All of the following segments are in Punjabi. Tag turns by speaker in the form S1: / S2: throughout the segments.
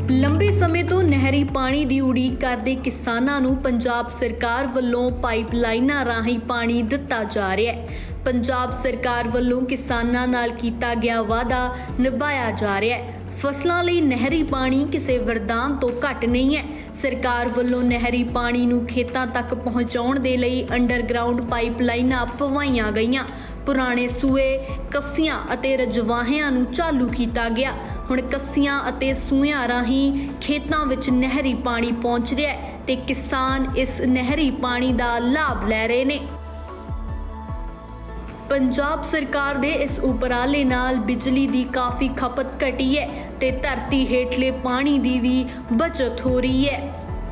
S1: ਲੰਬੇ ਸਮੇਂ ਤੋਂ ਨਹਿਰੀ ਪਾਣੀ ਦੀ ਉਡੀਕ ਕਰਦੇ ਕਿਸਾਨਾਂ ਨੂੰ ਪੰਜਾਬ ਸਰਕਾਰ ਵੱਲੋਂ ਪਾਈਪਲਾਈਨਾਂ ਰਾਹੀਂ ਪਾਣੀ ਦਿੱਤਾ ਜਾ ਰਿਹਾ ਹੈ। ਪੰਜਾਬ ਸਰਕਾਰ ਵੱਲੋਂ ਕਿਸਾਨਾਂ ਨਾਲ ਕੀਤਾ ਗਿਆ ਵਾਅਦਾ ਨਿਭਾਇਆ ਜਾ ਰਿਹਾ ਹੈ। ਫਸਲਾਂ ਲਈ ਨਹਿਰੀ ਪਾਣੀ ਕਿਸੇ ਵਰਦਾਨ ਤੋਂ ਘੱਟ ਨਹੀਂ ਹੈ। ਸਰਕਾਰ ਵੱਲੋਂ ਨਹਿਰੀ ਪਾਣੀ ਨੂੰ ਖੇਤਾਂ ਤੱਕ ਪਹੁੰਚਾਉਣ ਦੇ ਲਈ ਅੰਡਰਗਰਾਉਂਡ ਪਾਈਪਲਾਈਨਾਂ ਪਵਾਈਆਂ ਗਈਆਂ। ਪੁਰਾਣੇ ਸੂਏ, ਕੱਸੀਆਂ ਅਤੇ ਰਜਵਾਹਿਆਂ ਨੂੰ ਚਾਲੂ ਕੀਤਾ ਗਿਆ। ਹੁਣ ਕੱਸੀਆਂ ਅਤੇ ਸੂਇਆਂ ਰਾਹੀਂ ਖੇਤਾਂ ਵਿੱਚ ਨਹਿਰੀ ਪਾਣੀ ਪਹੁੰਚ ਰਿਹਾ ਹੈ ਤੇ ਕਿਸਾਨ ਇਸ ਨਹਿਰੀ ਪਾਣੀ ਦਾ ਲਾਭ ਲੈ ਰਹੇ ਨੇ। ਪੰਜਾਬ ਸਰਕਾਰ ਦੇ ਇਸ ਉਪਰਾਲੇ ਨਾਲ ਬਿਜਲੀ ਦੀ ਕਾਫੀ ਖਪਤ ਘਟੀ ਹੈ ਤੇ ਧਰਤੀ ਹੇਠਲੇ ਪਾਣੀ ਦੀ ਵੀ ਬਚਤ ਹੋ ਰਹੀ ਹੈ।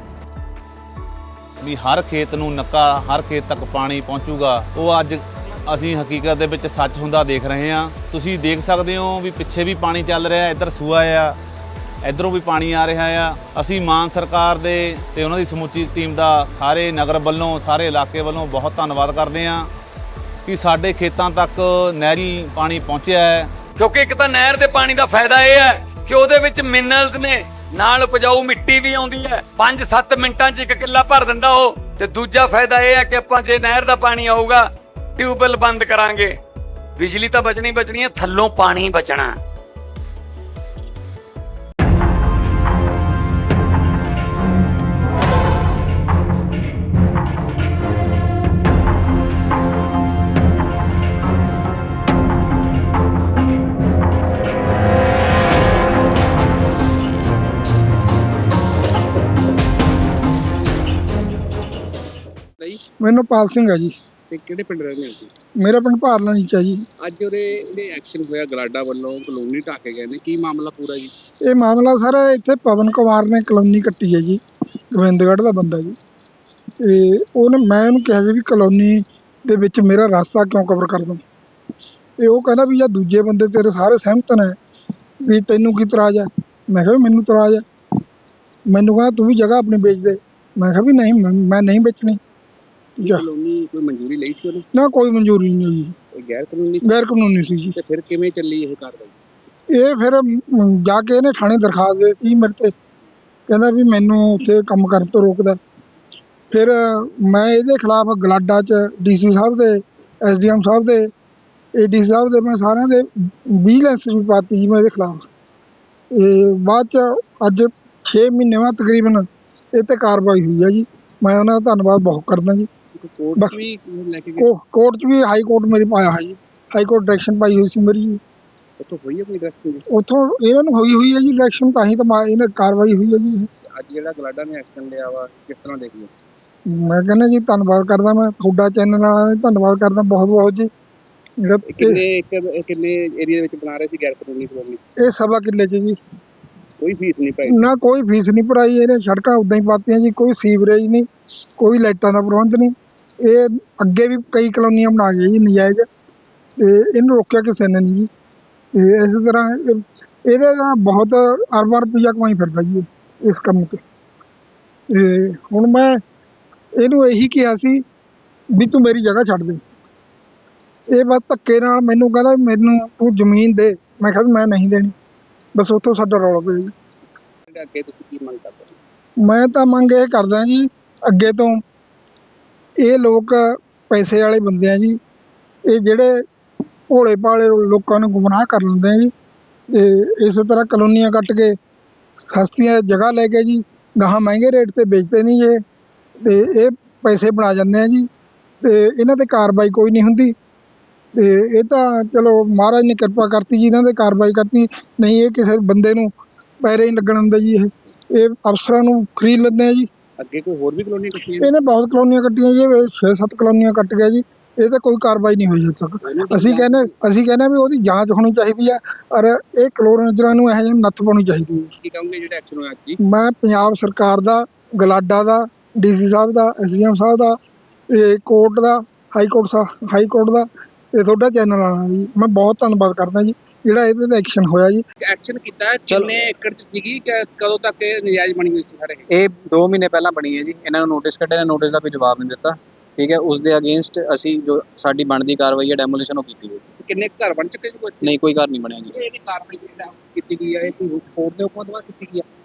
S2: ਵੀ ਹਰ ਖੇਤ ਨੂੰ ਨੱਕਾ, ਹਰ ਖੇਤ ਤੱਕ ਪਾਣੀ ਪਹੁੰਚੂਗਾ, ਉਹ ਅੱਜ ਅਸੀਂ ਹਕੀਕਤ ਦੇ ਵਿੱਚ ਸੱਚ ਹੁੰਦਾ ਦੇਖ ਰਹੇ ਹਾਂ। ਤੁਸੀਂ ਦੇਖ ਸਕਦੇ ਹੋ ਵੀ ਪਿੱਛੇ ਵੀ ਪਾਣੀ ਚੱਲ ਰਿਹਾ, ਇੱਧਰ ਸੂਆ ਆ, ਇੱਧਰੋਂ ਵੀ ਪਾਣੀ ਆ ਰਿਹਾ ਆ। ਅਸੀਂ ਮਾਨ ਸਰਕਾਰ ਦੇ ਤੇ ਉਹਨਾਂ ਦੀ ਸਮੁੱਚੀ ਟੀਮ ਦਾ ਸਾਰੇ ਨਗਰ ਵੱਲੋਂ, ਸਾਰੇ ਇਲਾਕੇ ਵੱਲੋਂ ਬਹੁਤ ਧੰਨਵਾਦ ਕਰਦੇ ਹਾਂ ਕਿ ਸਾਡੇ ਖੇਤਾਂ ਤੱਕ ਨਹਿਰੀ ਪਾਣੀ ਪਹੁੰਚਿਆ ਹੈ।
S3: ਕਿਉਂਕਿ ਇੱਕ ਤਾਂ ਨਹਿਰ ਦੇ ਪਾਣੀ ਦਾ ਫਾਇਦਾ ਇਹ ਹੈ ਕਿ ਉਹਦੇ ਵਿੱਚ ਮਿਨਰਲਸ ਨੇ, ਨਾਲ ਉਪਜਾਊ ਮਿੱਟੀ ਵੀ ਆਉਂਦੀ ਹੈ। 5-7 ਮਿੰਟਾਂ 'ਚ 1 ਕਿੱਲਾ ਭਰ ਦਿੰਦਾ ਉਹ। ਤੇ ਦੂਜਾ ਫਾਇਦਾ ਇਹ ਹੈ ਕਿ ਆਪਾਂ ਜੇ ਨਹਿਰ ਦਾ ਪਾਣੀ ਆਊਗਾ, ਟਿਊਬਵੈੱਲ ਬੰਦ ਕਰਾਂਗੇ, ਬਿਜਲੀ ਤਾਂ ਬਚਣੀ ਬਚਣੀ ਹੈ, ਥੱਲੋਂ ਪਾਣੀ ਬਚਣਾ।
S4: ਮੈਨੂੰ ਪਾਲ ਸਿੰਘ ਹੈ ਜੀ।
S5: ਤੇ ਕਿਹੜੇ ਪਿੰਡ ਰਹਿੰਦੇ ਹੋ ਤੁਸੀਂ?
S4: ਮੇਰਾ ਪਿੰਡ ਭਾਰਲਾ ਨੀਚਾ ਜੀ।
S5: ਅੱਜ ਉਹਦੇ ਜਿਹੜੇ ਐਕਸ਼ਨ ਹੋਇਆ ਗਲਾਡਾ ਵੱਲੋਂ ਕਲੋਨੀ ਢਾਹ ਕੇ ਗਏ ਨੇ, ਕੀ ਮਾਮਲਾ ਪੂਰਾ ਜੀ?
S4: ਇਹ ਮਾਮਲਾ ਸਰ ਇੱਥੇ ਪਵਨ ਕੁਮਾਰ ਨੇ ਕਲੋਨੀ ਕੱਟੀ ਹੈ ਜੀ, ਗੋਬਿੰਦਗੜ੍ਹ ਦਾ ਬੰਦਾ ਜੀ। ਤੇ ਮੈਂ ਉਹਨੂੰ ਕਿਹਾ ਸੀ ਵੀ ਕਲੋਨੀ ਦੇ ਵਿੱਚ ਮੇਰਾ ਰਾਸਤਾ ਕਿਉਂ ਕਵਰ ਕਰਦਾ। ਤੇ ਉਹ ਕਹਿੰਦਾ ਵੀ ਜਾਂ ਦੂਜੇ ਬੰਦੇ ਤੇਰੇ ਸਾਰੇ ਸਹਿਮਤ ਨੇ ਵੀ ਤੈਨੂੰ ਕੀ ਇਤਰਾਜ਼ ਹੈ। ਮੈਂ ਕਿਹਾ ਵੀ ਮੈਨੂੰ ਇਤਰਾਜ਼ ਹੈ। ਮੈਨੂੰ ਕਹਿੰਦਾ ਤੂੰ ਵੀ ਜਗ੍ਹਾ ਆਪਣੀ ਵੇਚ ਦੇ। ਮੈਂ ਕਿਹਾ ਵੀ ਨਹੀਂ, ਮੈਂ ਨਹੀਂ ਵੇਚਣੀ।
S5: ਕਲੋਨੀ ਕੋਈ ਮਨਜ਼ੂਰੀ ਲਈ ਸੀ ਉਹਨੇ?
S4: ਨਾ, ਕੋਈ ਮਨਜ਼ੂਰੀ ਨਹੀਂ ਹੋਈ।
S5: ਇਹ ਗੈਰ ਕਾਨੂੰਨੀ?
S4: ਗੈਰ ਕਾਨੂੰਨੀ ਸੀ ਜੀ।
S5: ਤੇ ਫਿਰ ਕਿਵੇਂ ਚੱਲੀ ਇਹ ਕਾਰਵਾਈ?
S4: ਇਹ ਫਿਰ ਜਾ ਕੇ ਇਹਨੇ ਥਾਣੇ ਦਰਖਾਸਤ ਦੇ ਦਿੱਤੀ ਮੇਰੇ ਤੇ। ਕਹਿੰਦਾ ਵੀ ਮੈਨੂੰ ਉੱਥੇ ਕੰਮ ਕਰਨ ਤੋਂ ਰੋਕਦਾ। ਫਿਰ ਮੈਂ ਇਹਦੇ ਖਿਲਾਫ ਗਲਾਡਾ 'ਚ DC ਸਾਹਿਬ ਦੇ, SDM ਸਾਹਿਬ ਦੇ, AD ਸਾਹਿਬ ਦੇ, ਮੈਂ ਸਾਰਿਆਂ ਦੇ ਵਿਜੀਲੈਂਸ ਵੀ ਪਾਤੀ ਜੀ ਮੈਂ ਇਹਦੇ ਖਿਲਾਫ। ਇਹ ਬਾਅਦ 'ਚ ਅੱਜ 6 ਮਹੀਨੇ ਬਾਅਦ ਤਕਰੀਬਨ ਇਹ 'ਤੇ ਕਾਰਵਾਈ ਹੋਈ ਹੈ ਜੀ। ਮੈਂ ਉਹਨਾਂ ਦਾ ਧੰਨਵਾਦ ਬਹੁਤ ਕਰਦਾ ਜੀ।
S5: ਕੋਰਟ ਵੀ ਲੈ ਕੇ ਗਏ?
S4: ਕੋਰਟ 'ਚ ਵੀ, ਹਾਈ ਕੋਰਟ ਮੇਰੀ ਪਾਇਆ ਹੈ ਜੀ। ਹਾਈ ਕੋਰਟ ਡਾਇਰੈਕਸ਼ਨ ਪਾਈ ਹੋਈ ਸੀ ਮੇਰੀ ਜੀ।
S5: ਉੱਥੋਂ ਹੋਈ ਹੈ ਕੋਈ ਡਾਇਰੈਕਸ਼ਨ?
S4: ਉੱਥੋਂ ਇਹਨਾਂ ਨੂੰ ਹੋਈ ਹੈ ਜੀ ਡਾਇਰੈਕਸ਼ਨ, ਤਾਂ ਹੀ ਤਾਂ ਇਹਨੇ ਕਾਰਵਾਈ ਹੋਈ ਹੈ ਜੀ।
S5: ਅੱਜ ਜਿਹੜਾ ਗਲਾਡਾ ਨੇ ਐਕਸ਼ਨ ਲਿਆ ਵਾ, ਕਿਸ ਤਰ੍ਹਾਂ ਦੇਖਦੇ?
S4: ਮੈਂ ਕਹਿੰਦਾ ਜੀ ਧੰਨਵਾਦ ਕਰਦਾ, ਮੈਂ ਤੁਹਾਡਾ ਚੈਨਲ ਵਾਲਾ ਧੰਨਵਾਦ ਕਰਦਾ ਬਹੁਤ ਬਹੁਤ ਜੀ।
S5: ਕਿੰਨੇ ਏਰੀਆ ਵਿੱਚ ਬਣਾ ਰਹੇ ਸੀ ਗੈਰ ਕਾਨੂੰਨੀ ਕਲੋਨੀ?
S4: ਇਹ 1.25 ਕਿੱਲੇ 'ਚ ਜੀ।
S5: ਕੋਈ ਫੀਸ ਨਹੀਂ ਪਾਈ?
S4: ਨਾ, ਕੋਈ ਫੀਸ ਨਹੀਂ ਭਰਾਈ। ਇਹਨੇ ਸੜਕਾਂ ਉੱਦਾਂ ਹੀ ਪਾਤੀਆਂ ਜੀ। ਕੋਈ ਸੀਵਰੇਜ ਨਹੀਂ, ਕੋਈ ਲਾਈਟਾਂ ਦਾ ਪ੍ਰਬੰਧ ਨਹੀਂ। ਇਹ ਅੱਗੇ ਵੀ ਕਈ ਕਲੋਨੀਆਂ ਬਣਾ ਗਏ ਜੀ ਨਜਾਇਜ਼, ਤੇ ਇਹਨੂੰ ਰੋਕਿਆ ਕਿਸੇ ਨੇ ਨਹੀਂ ਜੀ। ਤੇ ਇਸ ਤਰ੍ਹਾਂ ਇਹਦੇ ਨਾਲ ਬਹੁਤ ਅਰਬਾਂ ਰੁਪਈਆ ਕਮਾਈ ਫਿਰਦਾ ਜੀ ਇਸ ਕੰਮ 'ਤੇ। ਤੇ ਹੁਣ ਮੈਂ ਇਹਨੂੰ ਇਹੀ ਕਿਹਾ ਸੀ ਵੀ ਤੂੰ ਮੇਰੀ ਜਗ੍ਹਾ ਛੱਡ ਦੇ। ਇਹ ਬਸ ਧੱਕੇ ਨਾਲ ਮੈਨੂੰ ਕਹਿੰਦਾ ਮੈਨੂੰ ਤੂੰ ਜ਼ਮੀਨ ਦੇ। ਮੈਂ ਕਿਹਾ ਵੀ ਮੈਂ ਨਹੀਂ ਦੇਣੀ। ਬਸ ਉੱਥੋਂ ਸਾਡਾ ਰੌਲਾ ਪਿਆ ਜੀ।
S5: ਅੱਗੇ ਤੁਸੀਂ ਕੀ ਮੰਗ ਕਰਦੇ?
S4: ਮੈਂ ਤਾਂ ਮੰਗ ਇਹ ਕਰਦਾ ਜੀ, ਅੱਗੇ ਤੋਂ ਇਹ ਲੋਕ ਪੈਸੇ ਵਾਲੇ ਬੰਦੇ ਆ ਜੀ। ਇਹ ਜਿਹੜੇ ਭੋਲੇ ਭਾਲੇ ਲੋਕਾਂ ਨੂੰ ਗੁੰਮਰਾਹ ਕਰ ਲੈਂਦੇ ਆ ਜੀ। ਤੇ ਇਸੇ ਤਰ੍ਹਾਂ ਕਲੋਨੀਆਂ ਕੱਟ ਕੇ ਸਸਤੀਆਂ ਜਗ੍ਹਾ ਲੈ ਕੇ ਜੀ ਗਾਹਾਂ ਮਹਿੰਗੇ ਰੇਟ 'ਤੇ ਵੇਚਦੇ ਨਹੀਂ ਇਹ। ਤੇ ਇਹ ਪੈਸੇ ਬਣਾ ਜਾਂਦੇ ਆ ਜੀ। ਤੇ ਇਹਨਾਂ 'ਤੇ ਕਾਰਵਾਈ ਕੋਈ ਨਹੀਂ ਹੁੰਦੀ। ਤੇ ਇਹ ਤਾਂ ਚਲੋ ਮਹਾਰਾਜ ਨੇ ਕਿਰਪਾ ਕਰਤੀ ਜੀ, ਇਹਨਾਂ 'ਤੇ ਕਾਰਵਾਈ ਕਰਤੀ। ਨਹੀਂ ਇਹ ਕਿਸੇ ਬੰਦੇ ਨੂੰ ਪੈਰੇ ਨਹੀਂ ਲੱਗਣ ਦਿੰਦੇ ਜੀ। ਇਹ ਅਫਸਰਾਂ ਨੂੰ ਖਰੀਦ ਲੈਂਦੇ ਆ ਜੀ।
S5: ਅੱਗੇ ਕੋਈ ਹੋਰ ਵੀ ਕਲੋਨੀ ਕੱਟੀਆਂ?
S4: ਇਹਨੇ ਬਹੁਤ ਕਲੋਨੀਆਂ ਕੱਟੀਆਂ ਜੀ। 6-7 ਕਲੋਨੀਆਂ ਕੱਟ ਗਿਆ ਜੀ। ਇਹ ਤਾਂ ਕੋਈ ਕਾਰਵਾਈ ਨਹੀਂ ਹੋਈ ਹਜੇ ਤੱਕ। ਅਸੀਂ ਕਹਿੰਦੇ ਵੀ ਉਹਦੀ ਜਾਂਚ ਹੋਣੀ ਚਾਹੀਦੀ ਆ, ਔਰ ਇਹ ਕਲੋਨੀਆਂ ਨੂੰ ਇਹੋ ਜਿਹੇ ਨੱਥ ਪਾਉਣੀ ਚਾਹੀਦੀ ਹੈ।
S5: ਕੀ ਕਹੋਗੇ ਜਿਹੜਾ ਐਕਸ਼ਨ ਹੋਇਆ ਅੱਜ?
S4: ਮੈਂ ਪੰਜਾਬ ਸਰਕਾਰ ਦਾ, ਗਲਾਡਾ ਦਾ, DC ਸਾਹਿਬ ਦਾ, SDM ਸਾਹਿਬ ਦਾ, ਤੇ ਕੋਰਟ ਦਾ, ਹਾਈ ਕੋਰਟ ਦਾ, ਤੇ ਤੁਹਾਡਾ ਚੈਨਲ ਵਾਲਾ ਜੀ ਮੈਂ ਬਹੁਤ ਧੰਨਵਾਦ ਕਰਦਾ ਜੀ ਜਿਹੜਾ ਇਹਦੇ 'ਤੇ ਐਕਸ਼ਨ ਹੋਇਆ ਜੀ।
S5: ਐਕਸ਼ਨ ਕੀਤਾ ਕਿੰਨੇ ਏਕੜ 'ਚ ਸੀਗੀ, ਕਦੋਂ ਤੱਕ ਇਹ ਨਜਾਇਜ਼ ਬਣੀ ਹੋਈ ਸੀ ਸਾਰੇ?
S6: ਇਹ 2 ਮਹੀਨੇ ਪਹਿਲਾਂ ਬਣੀ ਹੈ ਜੀ। ਇਹਨਾਂ ਨੂੰ ਨੋਟਿਸ ਕੱਢਿਆ, ਨੋਟਿਸ ਦਾ ਕੋਈ ਜਵਾਬ ਨਹੀਂ ਦਿੱਤਾ। ਠੀਕ ਹੈ, ਉਸ ਦੇ ਅਗੇਂਸਟ ਅਸੀਂ ਜੋ ਸਾਡੀ ਬਣਦੀ ਕਾਰਵਾਈ ਹੈ ਡੈਮੋਲੀਸ਼ਨ ਉਹ ਕੀਤੀ ਹੈ।
S5: ਕਿੰਨੇ ਘਰ ਬਣ ਚੁੱਕੇ ਜੀ?
S6: ਨਹੀਂ, ਕੋਈ ਘਰ ਨਹੀਂ ਬਣਿਆ ਜੀ।
S5: ਇਹ ਕਾਰਵਾਈ ਕੀਤੀ ਗਈ ਹੈ, ਇਹ ਕੋਈ ਕੋਰਟ ਦੇ ਹੁਕਮਾਂ ਦੁਆਰਾ ਕੀਤੀ ਗਈ ਹੈ?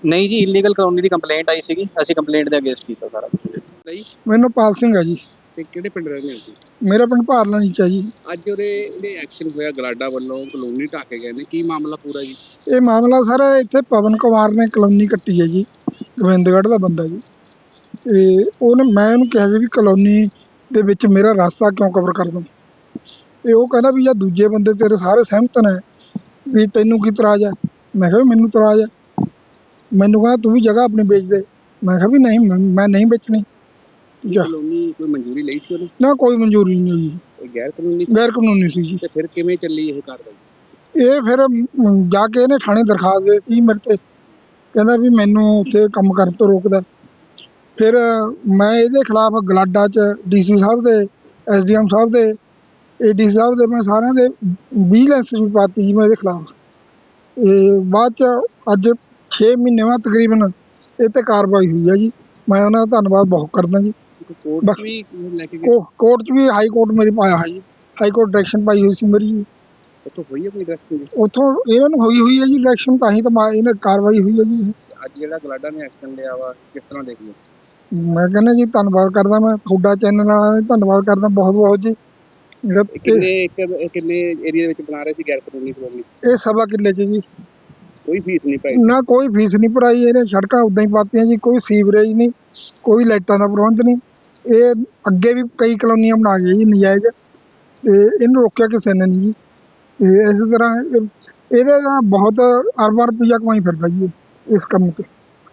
S6: ਨਹੀਂ ਜੀ, ਇਲੀਗਲ ਕਲੋਨੀ ਦੀ ਕੰਪਲੇਂਟ ਆਈ ਸੀਗੀ, ਅਸੀਂ ਕੰਪਲੇਂਟ ਦੇ ਅਗੇਂਸਟ ਕੀਤਾ ਸਾਰਾ ਕੁਝ।
S5: ਨਹੀਂ
S4: ਮੈਨੂੰ ਪਾਲ ਸਿੰਘ ਹੈ ਜੀ।
S5: ਤੇ ਕਿਹੜੇ ਪਿੰਡ ਰਹਿੰਦੇ ਹੋ ਤੁਸੀਂ?
S4: ਮੇਰਾ ਪਿੰਡ ਭਾਰਲਾ ਨੀਚਾ ਜੀ।
S5: ਅੱਜ ਉਹਦੇ ਐਕਸ਼ਨ ਹੋਇਆ ਗਲਾਡਾ ਵੱਲੋਂ, ਕਲੋਨੀ ਢਾਹ ਕੇ ਗਏ ਨੇ, ਕੀ ਮਾਮਲਾ ਪੂਰਾ ਜੀ?
S4: ਇਹ ਮਾਮਲਾ ਸਰ ਇੱਥੇ ਪਵਨ ਕੁਮਾਰ ਨੇ ਕਲੋਨੀ ਕੱਟੀ ਹੈ ਜੀ, ਗੋਬਿੰਦਗੜ੍ਹ ਦਾ ਬੰਦਾ ਜੀ। ਤੇ ਮੈਂ ਉਹਨੂੰ ਕਿਹਾ ਸੀ ਵੀ ਕਲੋਨੀ ਦੇ ਵਿੱਚ ਮੇਰਾ ਰਾਸਤਾ ਕਿਉਂ ਕਵਰ ਕਰਦਾ। ਤੇ ਉਹ ਕਹਿੰਦਾ ਵੀ ਜਾਂ ਦੂਜੇ ਬੰਦੇ ਤੇਰੇ ਸਾਰੇ ਸਹਿਮਤ ਨੇ ਵੀ ਤੈਨੂੰ ਕੀ ਇਤਰਾਜ਼ ਹੈ। ਮੈਂ ਕਿਹਾ ਵੀ ਮੈਨੂੰ ਇਤਰਾਜ਼ ਹੈ। ਮੈਨੂੰ ਕਹਿੰਦਾ ਤੂੰ ਵੀ ਜਗ੍ਹਾ ਆਪਣੀ ਵੇਚ ਦੇ। ਮੈਂ ਕਿਹਾ ਵੀ ਨਹੀਂ, ਮੈਂ ਨਹੀਂ ਵੇਚਣੀ।
S5: ਇਹ ਕਲੋਨੀ ਕੋਈ ਮਨਜ਼ੂਰੀ ਲਈ ਸੀ ਉਹਨੇ?
S4: ਨਾ ਕੋਈ ਮਨਜ਼ੂਰੀ ਨਹੀਂ ਹੋਈ,
S5: ਇਹ ਗੈਰ ਕਾਨੂੰਨੀ?
S4: ਗੈਰ ਕਾਨੂੰਨੀ ਸੀ ਜੀ।
S5: ਤੇ ਫਿਰ ਕਿਵੇਂ ਚੱਲੀ ਇਹ ਕਾਰਵਾਈ?
S4: ਇਹ ਫਿਰ ਜਾ ਕੇ ਇਹਨੇ ਥਾਣੇ ਦਰਖਾਸਤ ਦੇ ਦਿੱਤੀ ਮੇਰੇ ਤੇ, ਕਹਿੰਦਾ ਵੀ ਮੈਨੂੰ ਉੱਥੇ ਕੰਮ ਕਰਨ ਤੋਂ ਰੋਕਦਾ। ਫਿਰ ਮੈਂ ਇਹਦੇ ਖਿਲਾਫ ਗਲਾਡਾ 'ਚ DC ਸਾਹਿਬ ਦੇ, SDM ਸਾਹਿਬ ਦੇ, AD ਸਾਹਿਬ ਦੇ, ਮੈਂ ਸਾਰਿਆਂ ਦੇ ਵਿਜੀਲੈਂਸ ਵੀ ਪਾਤੀ ਜੀ ਮੈਂ ਇਹਦੇ ਖਿਲਾਫ। ਇਹ ਬਾਅਦ 'ਚ ਅੱਜ 6 ਮਹੀਨੇ ਬਾਅਦ ਤਕਰੀਬਨ ਇਹ 'ਤੇ ਕਾਰਵਾਈ ਹੋਈ ਹੈ ਜੀ। ਮੈਂ ਉਹਨਾਂ ਦਾ ਧੰਨਵਾਦ ਬਹੁਤ ਕਰਦਾ ਜੀ।
S5: ਕੋਰਟ 'ਚ ਵੀ ਲੈ ਕੇ ਗਏ?
S4: ਕੋਰਟ 'ਚ ਵੀ, ਹਾਈ ਕੋਰਟ ਮੇਰੀ ਪਾਇਆ ਹੈ ਜੀ। ਹਾਈ ਕੋਰਟ ਡਾਇਰੈਕਸ਼ਨ ਪਾਈ ਹੋਈ ਸੀ ਮੇਰੀ ਜੀ।
S5: ਉੱਥੋਂ ਹੋਈ ਆਪਣੀ ਡਾਇਰੈਕਸ਼ਨ?
S4: ਉੱਥੋਂ ਇਹਨਾਂ ਨੂੰ ਹੋਈ ਹੈ ਜੀ ਡਾਇਰੈਕਸ਼ਨ, ਤਾਂ ਹੀ ਤਾਂ ਇਹਨਾਂ ਕਾਰਵਾਈ ਹੋਈ ਹੈ ਜੀ।
S5: ਅੱਜ ਜਿਹੜਾ ਗਲਾਡਾ ਨੇ ਐਕਸ਼ਨ ਲਿਆ ਵਾ, ਕਿਸ ਤਰ੍ਹਾਂ ਦੇਖੀਏ?
S4: ਮੈਂ ਕਹਿੰਦਾ ਜੀ ਧੰਨਵਾਦ ਕਰਦਾ, ਮੈਂ ਤੁਹਾਡਾ ਚੈਨਲ ਵਾਲਿਆਂ ਦਾ ਧੰਨਵਾਦ ਕਰਦਾ ਬਹੁਤ ਬਹੁਤ ਜੀ। ਜਿਹੜਾ
S5: ਕਿੰਨੇ ਏਰੀਆ ਵਿੱਚ ਬਣਾ ਰਹੇ ਸੀ ਗੈਰ ਕਾਨੂੰਨੀ ਕਲੋਨੀ?
S4: ਇਹ 1.25 ਕਿੱਲੇ 'ਚ ਜੀ।
S5: ਕੋਈ ਫੀਸ ਨਹੀਂ ਪਾਈ?
S4: ਨਾ ਕੋਈ ਫੀਸ ਨਹੀਂ ਭਰਾਈ। ਇਹਨੇ ਸੜਕਾਂ ਉੱਦਾਂ ਹੀ ਪਾਤੀਆਂ ਜੀ, ਕੋਈ ਸੀਵਰੇਜ ਨਹੀਂ, ਕੋਈ ਲਾਈਟਾਂ ਦਾ ਪ੍ਰਬੰਧ ਨਹੀਂ। ਇਹ ਅੱਗੇ ਵੀ ਕਈ ਕਲੋਨੀਆਂ ਬਣਾ ਗਏ ਜੀ ਨਜਾਇਜ਼, ਤੇ ਇਹਨੂੰ ਰੋਕਿਆ ਕਿਸੇ ਨੇ ਨਹੀਂ ਜੀ। ਤੇ ਇਸੇ ਤਰ੍ਹਾਂ ਇਹਦੇ ਨਾਲ ਬਹੁਤ ਅਰਬਾਂ ਰੁਪਈਆ ਕਮਾਈ ਫਿਰਦਾ ਜੀ ਇਸ ਕੰਮ 'ਤੇ।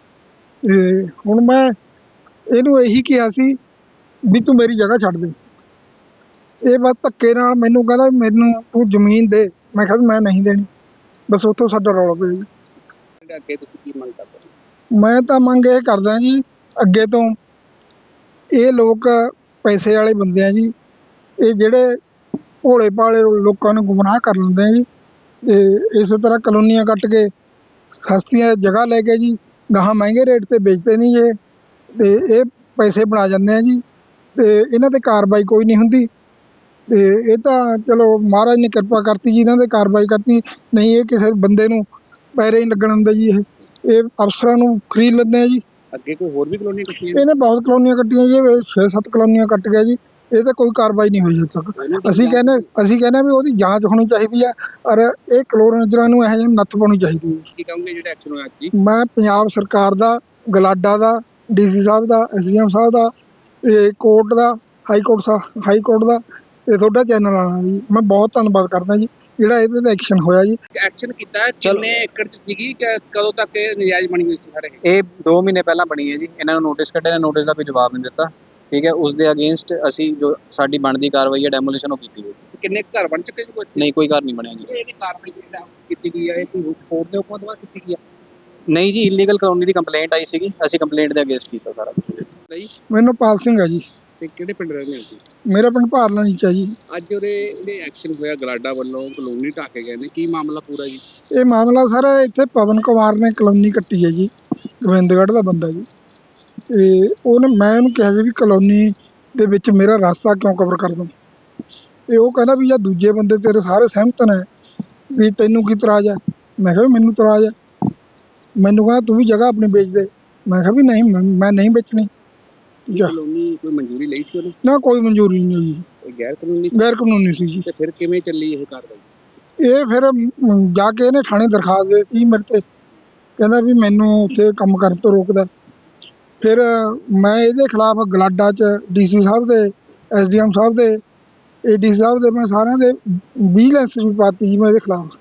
S4: ਤੇ ਹੁਣ ਮੈਂ ਇਹਨੂੰ ਇਹੀ ਕਿਹਾ ਸੀ ਵੀ ਤੂੰ ਮੇਰੀ ਜਗ੍ਹਾ ਛੱਡ ਦੇ। ਇਹ ਬਸ ਧੱਕੇ ਨਾਲ ਮੈਨੂੰ ਕਹਿੰਦਾ ਮੈਨੂੰ ਤੂੰ ਜ਼ਮੀਨ ਦੇ। ਮੈਂ ਕਿਹਾ ਵੀ ਮੈਂ ਨਹੀਂ ਦੇਣੀ। ਬਸ ਉੱਥੋਂ ਸਾਡਾ ਰੌਲਾ ਪਿਆ ਜੀ।
S5: ਅੱਗੇ ਤੁਸੀਂ ਕੀ ਮੰਗ ਕਰਦੇ ਹੋ?
S4: ਮੈਂ ਤਾਂ ਮੰਗ ਇਹ ਕਰਦਾ ਜੀ, ਅੱਗੇ ਤੋਂ ਇਹ ਲੋਕ ਪੈਸੇ ਵਾਲੇ ਬੰਦੇ ਆ ਜੀ। ਇਹ ਜਿਹੜੇ ਭੋਲੇ ਭਾਲੇ ਲੋਕਾਂ ਨੂੰ ਗੁੰਮਰਾਹ ਕਰ ਲੈਂਦੇ ਆ ਜੀ। ਤੇ ਇਸੇ ਤਰ੍ਹਾਂ ਕਲੋਨੀਆਂ ਕੱਟ ਕੇ ਸਸਤੀਆਂ ਜਗ੍ਹਾ ਲੈ ਕੇ ਜੀ ਗਾਹਾਂ ਮਹਿੰਗੇ ਰੇਟ 'ਤੇ ਵੇਚਦੇ ਨਹੀਂ ਇਹ, ਤੇ ਇਹ ਪੈਸੇ ਬਣਾ ਜਾਂਦੇ ਆ ਜੀ। ਤੇ ਇਹਨਾਂ 'ਤੇ ਕਾਰਵਾਈ ਕੋਈ ਨਹੀਂ ਹੁੰਦੀ। ਤੇ ਇਹ ਤਾਂ ਚਲੋ ਮਹਾਰਾਜ ਨੇ ਕਿਰਪਾ ਕਰਤੀ ਜੀ, ਇਹਨਾਂ 'ਤੇ ਕਾਰਵਾਈ ਕਰਤੀ। ਨਹੀਂ ਇਹ ਕਿਸੇ ਬੰਦੇ ਨੂੰ ਪੈਰੇ ਨਹੀਂ ਲੱਗਣ ਦਿੰਦਾ ਜੀ। ਇਹ ਅਫਸਰਾਂ ਨੂੰ ਖਰੀਦ ਲੈਂਦੇ ਆ ਜੀ।
S5: ਅੱਗੇ ਕੋਈ ਹੋਰ ਵੀ ਕਲੋਨੀ ਕੱਟੀ?
S4: ਇਹਨੇ ਬਹੁਤ ਕਲੋਨੀਆਂ ਕੱਟੀਆਂ ਜੀ, 6-7 ਕਲੋਨੀਆਂ ਕੱਟ ਗਿਆ ਜੀ। ਇਹ ਤਾਂ ਕੋਈ ਕਾਰਵਾਈ ਨਹੀਂ ਹੋਈ ਹਜੇ ਤੱਕ। ਅਸੀਂ ਕਹਿੰਦੇ ਵੀ ਉਹਦੀ ਜਾਂਚ ਹੋਣੀ ਚਾਹੀਦੀ ਹੈ, ਔਰ ਇਹ ਕਲੋਨੀਆਂ ਨੂੰ ਇਹੋ ਜਿਹੇ ਨੱਥ ਪਾਉਣੀ ਚਾਹੀਦੀ ਹੈ।
S5: ਕੀ ਕਹੋਗੇ ਜਿਹੜਾ ਐਕਸ਼ਨ ਹੋਇਆ ਜੀ?
S4: ਮੈਂ ਪੰਜਾਬ ਸਰਕਾਰ ਦਾ, ਗਲਾਡਾ ਦਾ, DC ਸਾਹਿਬ ਦਾ, SDM ਸਾਹਿਬ ਦਾ, ਤੇ ਕੋਰਟ ਦਾ, ਹਾਈ ਕੋਰਟ ਦਾ, ਤੇ ਤੁਹਾਡਾ ਚੈਨਲ ਵਾਲਾ ਜੀ ਮੈਂ ਬਹੁਤ ਧੰਨਵਾਦ ਕਰਦਾ ਜੀ ਜਿਹੜਾ ਇਹਦੇ 'ਤੇ ਐਕਸ਼ਨ ਹੋਇਆ ਜੀ।
S5: ਐਕਸ਼ਨ ਕੀਤਾ ਕਿੰਨੇ ਏਕੜ 'ਚ ਸੀਗੀ, ਕਦੋਂ ਤੱਕ ਇਹ ਨਜਾਇਜ਼ ਬਣੀ ਹੋਈ ਸੀ ਸਾਰੇ?
S6: ਇਹ 2 ਮਹੀਨੇ ਪਹਿਲਾਂ ਬਣੀ ਹੈ ਜੀ। ਇਹਨਾਂ ਨੂੰ ਨੋਟਿਸ ਕੱਢਿਆ ਨੇ, ਨੋਟਿਸ ਦਾ ਕੋਈ ਜਵਾਬ ਨਹੀਂ ਦਿੱਤਾ। ਠੀਕ ਹੈ, ਉਸ ਦੇ ਅਗੇਂਸਟ ਅਸੀਂ ਜੋ ਸਾਡੀ ਬਣਦੀ ਕਾਰਵਾਈ ਹੈ ਡੈਮੋਲੀਸ਼ਨ ਉਹ ਕੀਤੀ ਹੋਈ।
S5: ਕਿੰਨੇ ਘਰ ਬਣ ਚੁੱਕੇ ਜੀ? ਕੋਈ
S6: ਨਹੀਂ, ਕੋਈ ਘਰ ਨਹੀਂ ਬਣਿਆ ਜੀ।
S5: ਇਹਦੀ ਕਾਰਵਾਈ ਕੀਤੀ ਗਈ ਹੈ, ਇਹ ਕੋਈ ਕੋਰਟ ਦੇ ਹੁਕਮ ਤੋਂ ਕੀਤੀ ਗਈ ਹੈ?
S6: ਨਹੀਂ ਜੀ, ਇਲੀਗਲ ਕਲੋਨੀ ਦੀ ਕੰਪਲੇਂਟ ਆਈ ਸੀਗੀ, ਅਸੀਂ ਕੰਪਲੇਂਟ ਦੇ ਅਗੇਂਸਟ ਕੀਤਾ ਸਾਰਾ ਕੁਝ।
S5: ਨਹੀਂ
S4: ਮੈਨੂੰ ਪਾਲ ਸਿੰਘ ਹੈ ਜੀ।
S5: ਤੇ ਕਿਹੜੇ ਪਿੰਡ ਰਹਿੰਦੇ ਹੋ ਤੁਸੀਂ?
S4: ਮੇਰਾ ਪਿੰਡ ਭਾਰਲਾ ਨੀਚਾ ਜੀ।
S5: ਅੱਜ ਉਹਦੇ ਐਕਸ਼ਨ ਹੋਇਆ ਗਲਾਡਾ ਵੱਲੋਂ, ਕਲੋਨੀ ਢਾਹ ਕੇ ਗਏ ਨੇ, ਕੀ ਮਾਮਲਾ ਪੂਰਾ ਜੀ?
S4: ਇਹ ਮਾਮਲਾ ਸਰ ਇੱਥੇ ਪਵਨ ਕੁਮਾਰ ਨੇ ਕਲੋਨੀ ਕੱਟੀ ਹੈ ਜੀ, ਗੋਬਿੰਦਗੜ੍ਹ ਦਾ ਬੰਦਾ ਜੀ। ਤੇ ਮੈਂ ਉਹਨੂੰ ਕਿਹਾ ਸੀ ਵੀ ਕਲੋਨੀ ਦੇ ਵਿੱਚ ਮੇਰਾ ਰਾਸਤਾ ਕਿਉਂ ਕਵਰ ਕਰਦਾ। ਤੇ ਉਹ ਕਹਿੰਦਾ ਵੀ ਜਾਂ ਦੂਜੇ ਬੰਦੇ ਤੇਰੇ ਸਾਰੇ ਸਹਿਮਤ ਨੇ ਵੀ ਤੈਨੂੰ ਕੀ ਇਤਰਾਜ਼ ਹੈ। ਮੈਂ ਕਿਹਾ ਵੀ ਮੈਨੂੰ ਇਤਰਾਜ਼ ਹੈ। ਮੈਨੂੰ ਕਹਿੰਦਾ ਤੂੰ ਵੀ ਜਗ੍ਹਾ ਆਪਣੀ ਵੇਚ ਦੇ। ਮੈਂ ਕਿਹਾ ਵੀ ਨਹੀਂ, ਮੈਂ ਨਹੀਂ ਵੇਚਣੀ।
S5: ਕਲੋਨੀ ਕੋਈ ਮਨਜ਼ੂਰੀ ਲਈ ਸੀ ਉਹਨੇ?
S4: ਨਾ ਕੋਈ ਮਨਜ਼ੂਰੀ ਨਹੀਂ ਹੋਈ,
S5: ਇਹ ਗੈਰ ਕਾਨੂੰਨੀ?
S4: ਗੈਰ ਕਾਨੂੰਨੀ ਸੀ ਜੀ।
S5: ਤੇ ਫਿਰ ਕਿਵੇਂ ਚੱਲੀ ਇਹ ਕਾਰਵਾਈ?
S4: ਇਹ ਫਿਰ ਜਾ ਕੇ ਇਹਨੇ ਥਾਣੇ ਦਰਖਾਸਤ ਦੇ ਦਿੱਤੀ ਮੇਰੇ ਤੇ, ਕਹਿੰਦਾ ਵੀ ਮੈਨੂੰ ਉੱਥੇ ਕੰਮ ਕਰਨ ਤੋਂ ਰੋਕਦਾ। ਫਿਰ ਮੈਂ ਇਹਦੇ ਖਿਲਾਫ ਗਲਾਡਾ 'ਚ DC ਸਾਹਿਬ ਦੇ, SDM ਸਾਹਿਬ ਦੇ, AD ਸਾਹਿਬ ਦੇ, ਮੈਂ ਸਾਰਿਆਂ ਦੇ ਵਿਜੀਲੈਂਸ ਵੀ ਪਾਤੀ ਜੀ ਮੈਂ ਇਹਦੇ ਖਿਲਾਫ।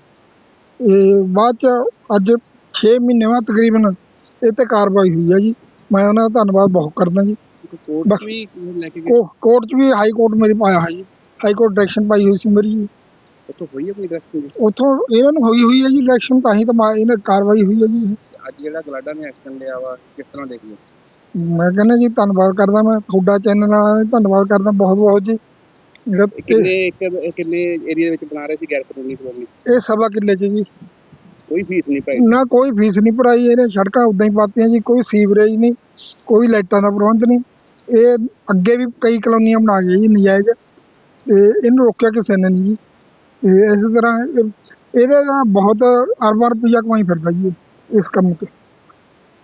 S4: ਇਹ ਬਾਅਦ 'ਚ ਅੱਜ 6 ਮਹੀਨੇ ਬਾਅਦ ਤਕਰੀਬਨ ਇਹ 'ਤੇ ਕਾਰਵਾਈ ਹੋਈ ਹੈ ਜੀ। ਮੈਂ ਉਹਨਾਂ ਦਾ ਧੰਨਵਾਦ ਬਹੁਤ ਕਰਦਾ ਜੀ।
S5: ਕੋਰਟ 'ਚ ਵੀ ਲੈ ਕੇ ਗਏ?
S4: ਕੋਰਟ 'ਚ ਵੀ, ਹਾਈ ਕੋਰਟ ਮੇਰੀ ਪਾਇਆ ਹੈ ਜੀ। ਹਾਈ ਕੋਰਟ ਡਾਇਰੈਕਸ਼ਨ ਪਾਈ ਹੋਈ ਸੀ ਮੇਰੀ ਜੀ।
S5: ਉੱਥੋਂ ਹੋਈ ਆਪਣੀ ਡਾਇਰੈਕਸ਼ਨ?
S4: ਉੱਥੋਂ ਇਹਨਾਂ ਨੂੰ ਹੋਈ ਹੈ ਜੀ ਡਾਇਰੈਕਸ਼ਨ, ਤਾਂ ਹੀ ਤਾਂ ਇਹਨਾਂ ਕਾਰਵਾਈ ਹੋਈ ਹੈ ਜੀ।
S5: ਅੱਜ ਜਿਹੜਾ ਗਲਾਡਾ ਨੇ ਐਕਸ਼ਨ ਲਿਆ ਵਾ, ਕਿਸ ਤਰ੍ਹਾਂ ਦੇਖੀਏ?
S4: ਮੈਂ ਕਹਿੰਦਾ ਜੀ ਧੰਨਵਾਦ ਕਰਦਾ, ਮੈਂ ਤੁਹਾਡਾ ਚੈਨਲ ਵਾਲਿਆਂ ਦਾ ਧੰਨਵਾਦ ਕਰਦਾ ਬਹੁਤ ਬਹੁਤ ਜੀ। ਜਿਹੜਾ
S5: ਕਿੰਨੇ ਏਰੀਆ ਵਿੱਚ ਬਣਾ ਰਹੇ ਸੀ ਗੈਰ ਕਾਨੂੰਨੀ ਕਲੋਨੀ?
S4: ਇਹ 1.25 ਕਿੱਲੇ 'ਚ ਜੀ।
S5: ਕੋਈ ਫੀਸ ਨਹੀਂ ਪਾਈ?
S4: ਨਾ ਕੋਈ ਫੀਸ ਨਹੀਂ ਭਰਾਈ। ਇਹਨੇ ਸੜਕਾਂ ਉੱਦਾਂ ਹੀ ਪਾਤੀਆਂ ਜੀ, ਕੋਈ ਸੀਵਰੇਜ ਨਹੀਂ, ਕੋਈ ਲਾਈਟਾਂ ਦਾ ਪ੍ਰਬੰਧ ਨਹੀਂ। ਇਹ ਅੱਗੇ ਵੀ ਕਈ ਕਲੋਨੀਆਂ ਬਣਾ ਗਏ ਜੀ ਨਜਾਇਜ਼, ਤੇ ਇਹਨੂੰ ਰੋਕਿਆ ਕਿਸੇ ਨੇ ਨਹੀਂ ਜੀ। ਤੇ ਇਸੇ ਤਰ੍ਹਾਂ ਇਹਦੇ ਨਾਲ ਬਹੁਤ ਅਰਬਾਂ ਰੁਪਈਆ ਕਮਾਈ ਫਿਰਦਾ ਜੀ ਇਸ ਕੰਮ 'ਤੇ।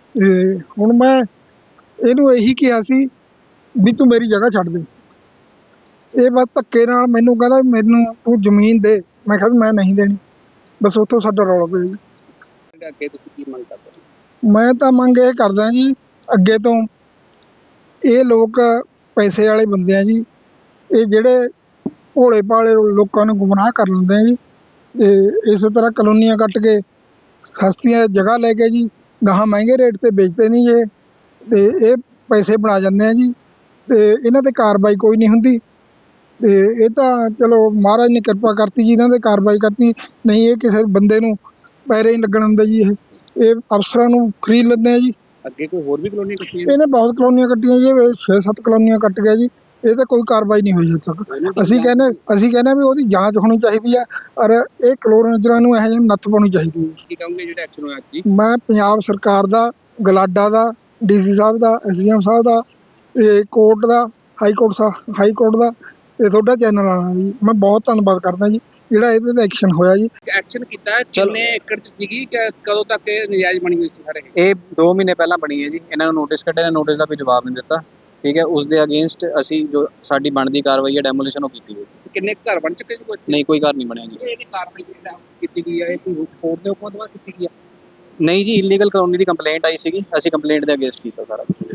S4: ਤੇ ਹੁਣ ਮੈਂ ਇਹਨੂੰ ਇਹੀ ਕਿਹਾ ਸੀ ਵੀ ਤੂੰ ਮੇਰੀ ਜਗ੍ਹਾ ਛੱਡ ਦੇ। ਇਹ ਬਸ ਧੱਕੇ ਨਾਲ ਮੈਨੂੰ ਕਹਿੰਦਾ ਵੀ ਮੈਨੂੰ ਤੂੰ ਜ਼ਮੀਨ ਦੇ। ਮੈਂ ਕਿਹਾ ਵੀ ਮੈਂ ਨਹੀਂ ਦੇਣੀ। ਬਸ ਉੱਥੋਂ ਸਾਡਾ ਰੌਲਾ ਪਿਆ ਜੀ।
S5: ਜਿਹੜੇ ਅੱਗੇ ਤੁਸੀਂ ਕੀ ਮੰਗ ਕਰਦੇ ਹੋ?
S4: ਮੈਂ ਤਾਂ ਮੰਗ ਇਹ ਕਰਦਾ ਜੀ ਅੱਗੇ ਤੋਂ ਇਹ ਲੋਕ ਪੈਸੇ ਵਾਲੇ ਬੰਦੇ ਆ ਜੀ। ਇਹ ਜਿਹੜੇ ਭੋਲੇ ਭਾਲੇ ਲੋਕਾਂ ਨੂੰ ਗੁੰਮਰਾਹ ਕਰ ਲੈਂਦੇ ਆ ਜੀ। ਤੇ ਇਸੇ ਤਰ੍ਹਾਂ ਕਲੋਨੀਆਂ ਕੱਟ ਕੇ ਸਸਤੀਆਂ ਜਗ੍ਹਾ ਲੈ ਕੇ ਜੀ ਗਾਹਾਂ ਮਹਿੰਗੇ ਰੇਟ 'ਤੇ ਵੇਚਦੇ ਨਹੀਂ ਇਹ। ਤੇ ਇਹ ਪੈਸੇ ਬਣਾ ਜਾਂਦੇ ਆ ਜੀ। ਤੇ ਇਹਨਾਂ 'ਤੇ ਕਾਰਵਾਈ ਕੋਈ ਨਹੀਂ ਹੁੰਦੀ। ਤੇ ਇਹ ਤਾਂ ਚਲੋ ਮਹਾਰਾਜ ਨੇ ਕਿਰਪਾ ਕਰਤੀ ਜੀ, ਇਹਨਾਂ 'ਤੇ ਕਾਰਵਾਈ ਕਰਤੀ। ਨਹੀਂ ਇਹ ਕਿਸੇ ਬੰਦੇ ਨੂੰ ਪੈਰੇ ਨਹੀਂ ਲੱਗਣ ਦਿੰਦੇ ਜੀ। ਇਹ ਅਫਸਰਾਂ ਨੂੰ ਖਰੀਦ ਲੈਂਦੇ ਆ ਜੀ।
S5: ਅੱਗੇ ਕੋਈ ਹੋਰ ਵੀ ਕਲੋਨੀ ਕੱਟੀਆਂ ਨੇ?
S4: ਇਹਨੇ ਬਹੁਤ ਕਲੋਨੀਆਂ ਕੱਟੀਆਂ ਜੀ। 6-7 ਕਲੋਨੀਆਂ ਕੱਟ ਗਿਆ ਜੀ। ਇਹ ਤਾਂ ਕੋਈ ਕਾਰਵਾਈ ਨਹੀਂ ਹੋਈ ਹਜੇ ਤੱਕ। ਅਸੀਂ ਕਹਿੰਦੇ ਵੀ ਉਹਦੀ ਜਾਂਚ ਹੋਣੀ ਚਾਹੀਦੀ ਆ। ਔਰ ਇਹ ਕਲੋਨੀਆਂ ਨੂੰ ਇਹੋ ਜਿਹੇ ਨੱਥ ਪਾਉਣੀ ਚਾਹੀਦੀ ਹੈ।
S5: ਕੀ ਕਹੋਗੇ ਜਿਹੜਾ ਐਕਸ਼ਨ ਹੋਇਆ ਜੀ?
S4: ਮੈਂ ਪੰਜਾਬ ਸਰਕਾਰ ਦਾ, ਗਲਾਡਾ ਦਾ, DC ਸਾਹਿਬ ਦਾ, SDM ਸਾਹਿਬ ਦਾ, ਤੇ ਕੋਰਟ ਦਾ, ਹਾਈ ਕੋਰਟ ਦਾ, ਤੇ ਤੁਹਾਡਾ ਚੈਨਲ ਵਾਲਾ ਜੀ ਮੈਂ ਬਹੁਤ ਧੰਨਵਾਦ ਕਰਦਾ ਜੀ ਜਿਹੜਾ ਇਹਦੇ 'ਤੇ ਐਕਸ਼ਨ ਹੋਇਆ ਜੀ।
S5: ਐਕਸ਼ਨ ਕੀਤਾ ਹੈ, ਕਿੰਨੇ ਏਕੜ 'ਚ ਸੀਗੀ, ਕਦੋਂ ਤੱਕ ਇਹ ਨਜਾਇਜ਼ ਬਣੀ ਹੋਈ ਸੀ ਸਾਰੇ?
S6: ਇਹ 2 ਮਹੀਨੇ ਪਹਿਲਾਂ ਬਣੀ ਹੈ ਜੀ। ਇਹਨਾਂ ਨੂੰ ਨੋਟਿਸ ਕੱਢਿਆ ਨੇ, ਨੋਟਿਸ ਦਾ ਕੋਈ ਜਵਾਬ ਨਹੀਂ ਦਿੱਤਾ। ਠੀਕ ਹੈ, ਉਸ ਦੇ ਅਗੇਂਸਟ ਅਸੀਂ ਜੋ ਸਾਡੀ ਬਣਦੀ ਕਾਰਵਾਈ ਹੈ ਡੈਮੋਲੀਸ਼ਨ ਉਹ ਕੀਤੀ ਹੋਈ।
S5: ਕਿੰਨੇ ਕੁ ਘਰ ਬਣ ਚੁੱਕੇ ਜੀ? ਕੋਈ
S6: ਨਹੀਂ, ਕੋਈ ਘਰ ਨਹੀਂ ਬਣਿਆ ਜੀ।
S5: ਇਹ ਕਾਰਵਾਈ ਜਿਹੜੀ ਕੀਤੀ ਗਈ ਹੈ ਇਹ ਕੋਈ ਕੋਰਟ ਦੇ ਹੁਕਮਾਂ ਤੋਂ ਬਾਅਦ ਕੀਤੀ ਗਈ ਹੈ?
S6: ਨਹੀਂ ਜੀ, ਇਲੀਗਲ ਕਲੋਨੀ ਦੀ ਕੰਪਲੇਂਟ ਆਈ ਸੀਗੀ, ਅਸੀਂ ਕੰਪਲੇਂਟ ਦੇ ਅਗੇਂਸਟ ਕੀਤਾ ਸਾਰਾ ਕੁਛ।